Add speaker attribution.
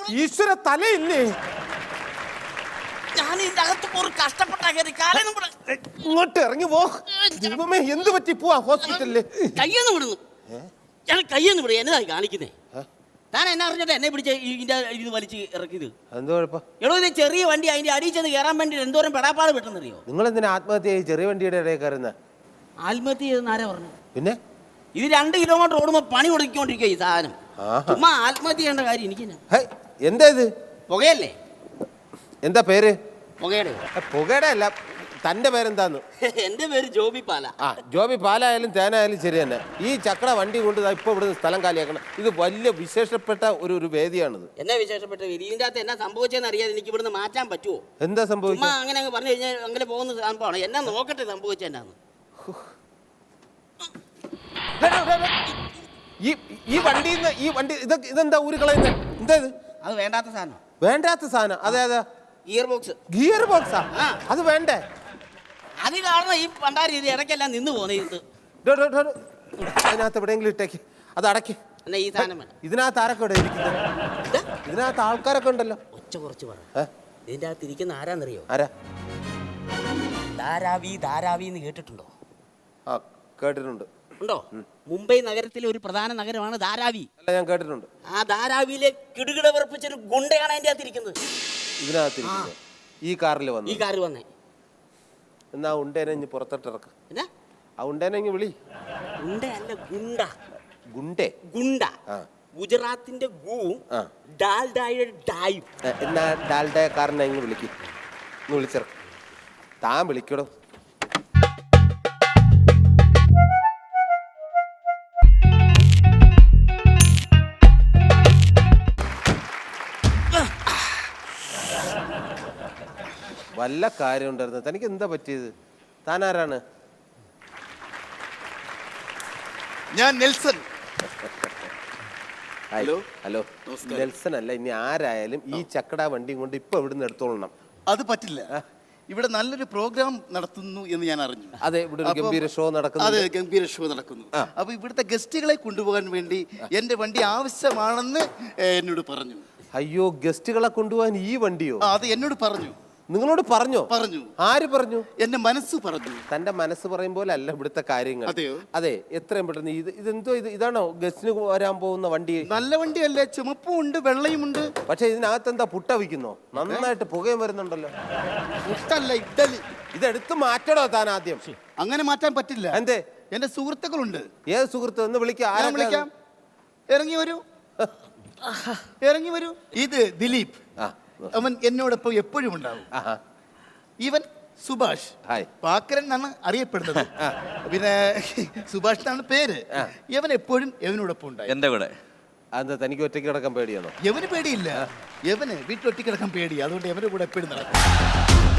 Speaker 1: ഈശ്വര തലയില്ലേ?
Speaker 2: ഞാൻ ഇതിന്റെ അകത്ത് ഒരു കഷ്ടപ്പെട്ടാ കയറി കാലൊന്നും കൂടെ
Speaker 1: ഇങ്ങോട്ട് ഇറങ്ങി പോ. ദൈവമേ, എന്ത് പറ്റി? പോവാ ഹോസ്പിറ്റലില്.
Speaker 2: കയ്യൊന്നും വിടുന്നു. ഞാൻ കയ്യൊന്നും വിടും. എന്നതായി കാണിക്കുന്നേ? താൻ എന്നെ അറിഞ്ഞിട്ട് എന്നെ പിടിച്ച് ഇതിന്റെ ഇത് വലിച്ച് ഇറക്കിയത്
Speaker 1: എന്തോ കുഴപ്പം?
Speaker 2: എടോ, ഇത് ചെറിയ വണ്ടി, അതിന്റെ അടിയിൽ ചെന്ന് കയറാൻ വേണ്ടി എന്തോരം പെടാപ്പാട് പെട്ടെന്നറിയോ?
Speaker 1: നിങ്ങൾ എന്തിനാ ആത്മഹത്യ ചെയ്ത് ചെറിയ വണ്ടിയുടെ ഇടയിൽ കയറുന്ന?
Speaker 2: ആത്മഹത്യ ചെയ്തെന്ന് ആരാ പറഞ്ഞു?
Speaker 1: പിന്നെ
Speaker 2: ഇത് 2 കിലോമീറ്റർ ഓടുമ്പോ പണി കൊടുക്കൊണ്ടിരിക്കുക ഈ സാധനം. ചുമ്മാ ആത്മഹത്യ ചെയ്യേണ്ട കാര്യം എനിക്ക്.
Speaker 1: എന്താ ഇത്?
Speaker 2: പുകയല്ലേ?
Speaker 1: എന്താ പേര്?
Speaker 2: പുകയുടെ.
Speaker 1: പുകയുടെ അല്ല, തന്റെ പേരെന്താന്ന്?
Speaker 2: എന്റെ പേര് ജോബി പാല.
Speaker 1: ജോബി പാലായാലും തേനായാലും ശരി തന്നെ. ഈ ചക്ര വണ്ടി കൊണ്ട് ഇപ്പൊ ഇവിടുന്ന് സ്ഥലം കാലിയാക്കണം. ഇത് വലിയ വിശേഷപ്പെട്ട ഒരു വേദിയാണിത്.
Speaker 2: എന്നാ വിശേഷപ്പെട്ട വേദി? ഇതിന്റെ അകത്ത് എന്നാ സംഭവിച്ചെന്ന് അറിയാതെ എനിക്ക് ഇവിടുന്ന് മാറ്റാൻ പറ്റുമോ?
Speaker 1: എന്താ സംഭവിച്ചത്?
Speaker 2: അങ്ങനെ അങ്ങ് പറഞ്ഞു കഴിഞ്ഞാൽ അങ്ങനെ പോകുന്ന സംഭവമാണ്. എന്നാ നോക്കട്ടെ സംഭവിച്ചെന്നാന്ന്.
Speaker 1: ഈ വണ്ടി ഇതെന്താ ഊരി കളയുന്നത്? എന്താ ഇത്?
Speaker 2: അത് വേണ്ടാത്ത സാധനം.
Speaker 1: വേണ്ടാത്ത സാധനം? അതെ അതെ,
Speaker 2: ഗിയർ ബോക്സ്.
Speaker 1: ഗിയർ ബോക്സാ? അത് വേണ്ടേ?
Speaker 2: അത് കാരണം ഈ പണ്ടാരി ഇത് ഇടയ്ക്കെല്ലാം നിന്ന് പോകുന്നത്.
Speaker 1: അതിനകത്ത് എവിടെയെങ്കിലും ഇട്ടേക്ക്, അത് അടയ്ക്ക്.
Speaker 2: എന്നാ ഈ സാധനം വേണം.
Speaker 1: ഇതിനകത്ത് ആരൊക്കെ ഇവിടെ ഇരിക്കുന്നത്? ഇതിനകത്ത് ആൾക്കാരൊക്കെ ഉണ്ടല്ലോ.
Speaker 2: ഒച്ച കുറച്ച് പറ. ഇതിന്റെ അകത്ത് ഇരിക്കുന്ന ആരാന്നറിയോ?
Speaker 1: ആരാ?
Speaker 2: ധാരാവി എന്ന് കേട്ടിട്ടുണ്ടോ?
Speaker 1: കേട്ടിട്ടുണ്ട്.
Speaker 2: ഉണ്ടോ? മുംബൈ നഗരത്തിലെ ഒരു പ്രധാന നഗരമാണ് ധാരാവി.
Speaker 1: അല്ല, ഞാൻ കേട്ടിട്ടുണ്ട്.
Speaker 2: ആ ധാരാവിയിലെ കിടുകിട വിറപ്പിച്ചൊരു ഗുണ്ടയാണ് അതിന്റെ അകത്തിരിക്കുന്നത്.
Speaker 1: ഇതിനകത്ത് ഈ കാറിൽ വന്നു.
Speaker 2: ഈ കാറിൽ വന്നേ.
Speaker 1: എന്നാ ഉണ്ടേനെ ഇനി പുറത്തോട്ടിറക്ക.
Speaker 2: എന്നാ
Speaker 1: ആ ഉണ്ടേനെ ഇങ്ങ് വിളി.
Speaker 2: ഉണ്ടയല്ല, ഗുണ്ട.
Speaker 1: ഗുണ്ട.
Speaker 2: ഗുജറാത്തിന്റെ ഗുവും ഡാൽഡായുടെ ഡായും.
Speaker 1: എന്നാ ഡാൽഡായ കാരനെ ഇങ്ങ് വിളിക്ക്. ഇങ്ങ് വിളിച്ചിറക്ക. താൻ വിളിക്കടോ. വല്ല കാര്യം ഉണ്ടായിരുന്നു. തനിക്ക് എന്താ പറ്റിയത്? താൻ ആരാണ്?
Speaker 3: ഞാൻ നെൽസൺ.
Speaker 1: ഹലോ. നെൽസൺ അല്ല, ഇനി ആരായാലും ഈ ചക്കട വണ്ടിയും കൊണ്ട് ഇപ്പൊ ഇവിടുന്ന് എടുത്തോളണം.
Speaker 3: അത് പറ്റില്ല. ഇവിടെ നല്ലൊരു പ്രോഗ്രാം നടത്തുന്നു എന്ന് ഞാൻ അറിഞ്ഞു.
Speaker 1: അതെ, ഇവിടെ ഒരു ഗംഭീര ഷോ നടക്കുന്നു.
Speaker 3: അതെ, ഗംഭീര ഷോ നടക്കുന്നു. അപ്പൊ ഇവിടുത്തെ ഗസ്റ്റുകളെ കൊണ്ടുപോകാൻ വേണ്ടി എന്റെ വണ്ടി ആവശ്യമാണെന്ന് എന്നോട് പറഞ്ഞു.
Speaker 1: അയ്യോ, ഗസ്റ്റുകളെ കൊണ്ടുപോകാൻ ഈ വണ്ടിയോ?
Speaker 3: അത് എന്നോട് പറഞ്ഞു.
Speaker 1: നിങ്ങളോട് പറഞ്ഞോ?
Speaker 3: പറഞ്ഞു.
Speaker 1: ആര് പറഞ്ഞു?
Speaker 3: എന്റെ മനസ്സ് പറഞ്ഞു.
Speaker 1: തന്റെ മനസ്സ് പറയും പോലെ അല്ല ഇവിടുത്തെ കാര്യങ്ങൾ. അതെ, എത്രയും പെട്ടെന്ന് ഇതെന്തോ ഇതാണോ ഗസ്റ്റിന് വരാൻ പോകുന്ന വണ്ടി?
Speaker 3: നല്ല വണ്ടിയല്ലേ, ചുമപ്പും ഉണ്ട് വെള്ളയും ഉണ്ട്.
Speaker 1: പക്ഷെ ഇതിനകത്ത് എന്താ പുട്ട വിൽക്കുന്നോ? നന്നായിട്ട് പുകയും വരുന്നുണ്ടല്ലോ.
Speaker 3: പുട്ടല്ല, ഇഡ്ഡലി.
Speaker 1: ഇതെടുത്ത് മാറ്റണോ താൻ ആദ്യം?
Speaker 3: അങ്ങനെ മാറ്റാൻ പറ്റില്ല.
Speaker 1: എന്തേ?
Speaker 3: എന്റെ സുഹൃത്തുക്കളുണ്ട്.
Speaker 1: ഏത് സുഹൃത്ത്? ഒന്ന് വിളിക്കാം.
Speaker 3: ഇറങ്ങി വരൂ. ഇത് ദിലീപ്. അവൻ എന്നോടൊപ്പം എപ്പോഴും ഉണ്ടാവും. ഇവൻ സുഭാഷ്. പാക്കരൻ എന്നാണ് അറിയപ്പെടുന്നത്. പിന്നെ സുഭാഷ് എന്നാണ് പേര്. ഇവൻ എപ്പോഴും എവനോടൊപ്പം ഉണ്ടായി.
Speaker 1: എന്റെ കൂടെ. അതെന്താ, തനിക്ക് ഒറ്റയ്ക്ക് കിടക്കാൻ പേടിയാണോ?
Speaker 3: എവന് പേടിയില്ല. എവന് വീട്ടിൽ ഒറ്റയ്ക്ക് കിടക്കാൻ പേടി. അതുകൊണ്ട് എവന്റെ കൂടെ എപ്പോഴും നടക്കും.